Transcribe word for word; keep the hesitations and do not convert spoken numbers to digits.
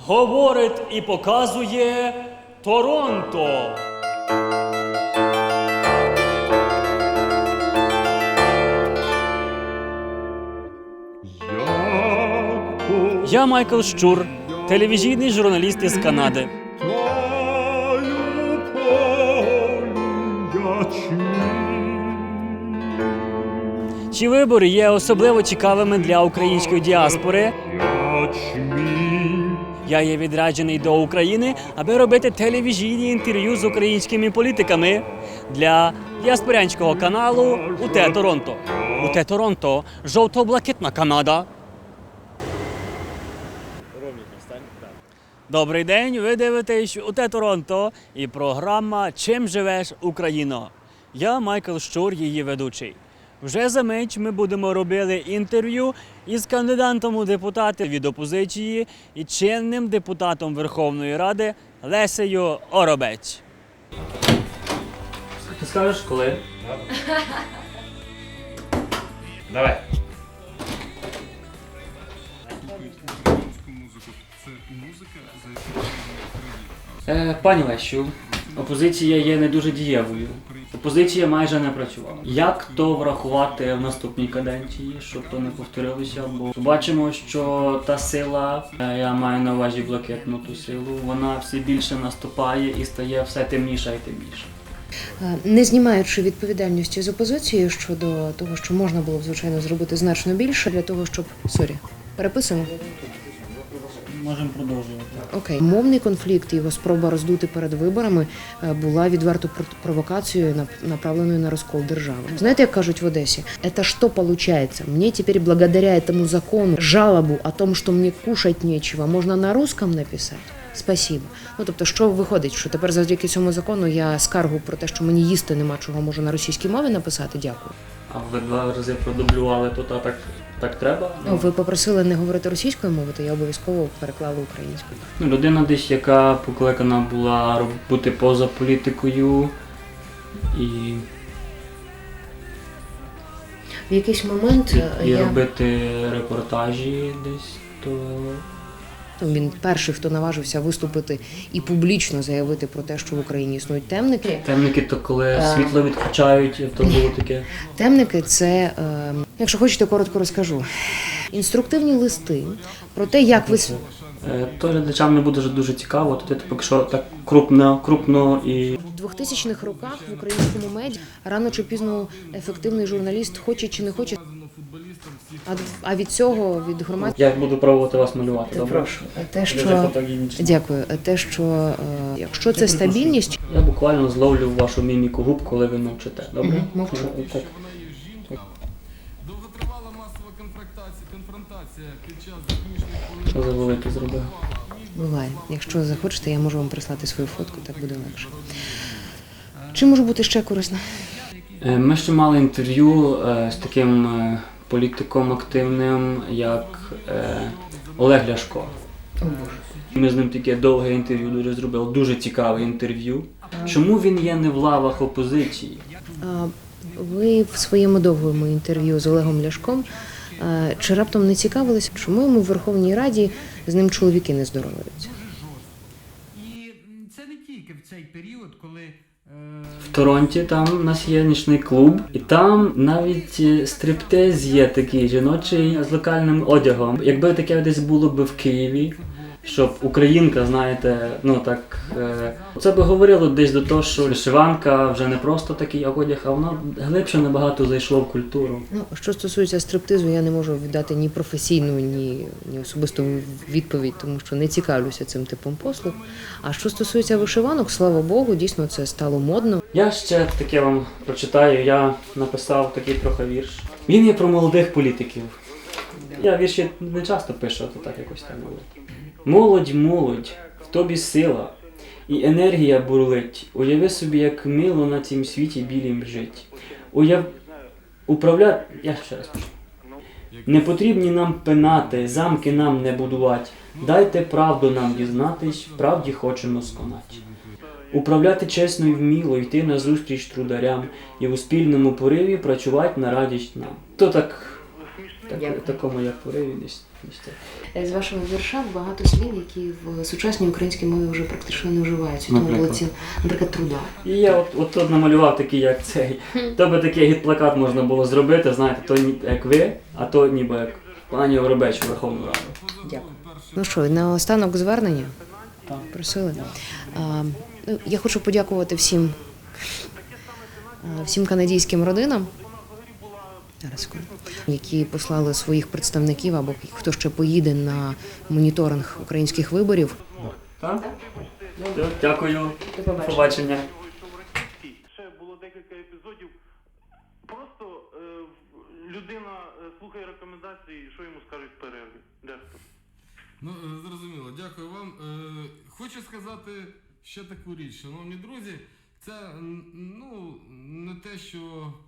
говорить і показує Торонто. Я Майкл Щур, телевізійний журналіст із Канади. Ці вибори є особливо цікавими для української діаспори. Я є відряджений до України, аби робити телевізійні інтерв'ю з українськими політиками для діаспорянського каналу УТ Торонто. УТ Торонто – жовто-блакитна Канада. Добрий день, ви дивитесь УТ Торонто і програма «Чим живеш, Україно?». Я Майкл Щур, її ведучий. Вже за мить ми будемо робити інтерв'ю із кандидатом у депутати від опозиції і чинним депутатом Верховної Ради Лесею Оробець. Ти скажеш, коли? Давай. Е, пані Лесю, опозиція є не дуже дієвою. Опозиція майже не працювала. Як то врахувати в наступній каденції, щоб то не повторилося? Бо бачимо, що та сила, я маю на увазі блакитну ту силу, вона все більше наступає і стає все темніша і темніша. Не знімаючи відповідальності з опозицією щодо того, що можна було б, звичайно, зробити значно більше для того, щоб... Сорі, переписуємо? Можемо продовжувати. Окей. Мовний конфлікт і його спроба роздути перед виборами була відверто провокацією, направленою на розкол держави. Знаєте, як кажуть в Одесі? «Это что получается? Мне теперь благодаря этому закону жалобу о том, что мне кушать нечего, можна на русском написати? Спасибо». Ну, тобто, що виходить, що тепер завдяки цьому закону я скаргу про те, що мені їсти нема чого, можу на російській мові написати? Дякую. А ви два рази продублювали, то та, так, так треба? Ну, ви попросили не говорити російською мовою, то я обов'язково переклала українською. Ну, людина десь, яка покликана була бути поза політикою і, В якийсь момент і я... робити репортажі десь, то... Він перший, хто наважився виступити і публічно заявити про те, що в Україні існують темники. Темники, то коли світло відключають, то було таке. Темники – це, е, якщо хочете, коротко розкажу. Інструктивні листи про те, як ви... Е, то глядачам не буде дуже цікаво, то ти поки що так крупно, крупно і... В двохтисячних роках в українському меді рано чи пізно ефективний журналіст хоче чи не хоче. А, а від цього, від громадського... Я буду пробувати вас малювати, добре? Прошу. Те, що... Дякую. Те, що е, якщо це стабільність... Я буквально зловлю вашу міміку губ, коли ви мовчите, добре? Угу, мовчу. Так. Довготривала масова конфронтація під час закінчення хвилин. Що за великий зробив? Буває. Якщо захочете, я можу вам прислати свою фотку, так буде легше. Чи можу бути ще корисна? Ми ще мали інтерв'ю з таким політиком активним, як Олег Ляшко. О, Боже. Ми з ним таке довге інтерв'ю дуже зробили, дуже цікаве інтерв'ю. Чому він є не в лавах опозиції? Ви в своєму довгому інтерв'ю з Олегом Ляшком чи раптом не цікавилися, чому йому в Верховній Раді з ним чоловіки не здороваються? І це не тільки в цей період, коли... В Торонті там у нас є нічний клуб, і там навіть стриптиз є такий жіночий з локальним одягом. Якби таке десь було б в Києві, щоб українка, знаєте, ну так, це би говорило десь до того, що вишиванка вже не просто такий одяг, а воно глибше набагато зайшло в культуру. Ну, що стосується стриптизу, я не можу віддати ні професійну, ні, ні особисту відповідь, тому що не цікавлюся цим типом послуг. А що стосується вишиванок, слава Богу, дійсно це стало модно. Я ще таке вам прочитаю, я написав такий трохи вірш. Він є про молодих політиків. Я вірші не часто пишу, а то так якось там було. Молодь, молодь, в тобі сила, і енергія бурлить. Уяви собі, як мило на цім світі білім жить. Уяв... Управляти... Я ще раз пишу. Не потрібні нам пенати, замки нам не будувати. Дайте правду нам дізнатись, правді хочемо сконати. Управляти чесно і вміло, йти назустріч трударям і у спільному пориві працювати на радість нам. То так Так, Дякую. такому як пориві десь. десь так. З вашого вірша багато слів, які в сучасній українській мові вже практично не вживаються. Тому Наприклад? були ці, наприклад, труда. І я от, от тут намалював такий, як цей. То би такий гід-плакат можна було зробити, знаєте, то ні- як ви, а то ніби як пані Євробеч Верховну Раду. Дякую. Ну що, і наостанок звернення? Так. Просили. А, ну, я хочу подякувати всім, а, всім канадійським родинам, зараз, секунду, які послали своїх представників або хто ще поїде на моніторинг українських виборів. Так? Все, дякую. До побачення. Побачення. Ще було декілька епізодів. Просто е, в- людина е, слухає рекомендації, що йому скажуть в перерві. Дехто. Ну, е, зрозуміло, дякую вам. Е, Хочу сказати ще таку річ, шановні друзі, це м, ну, не те, що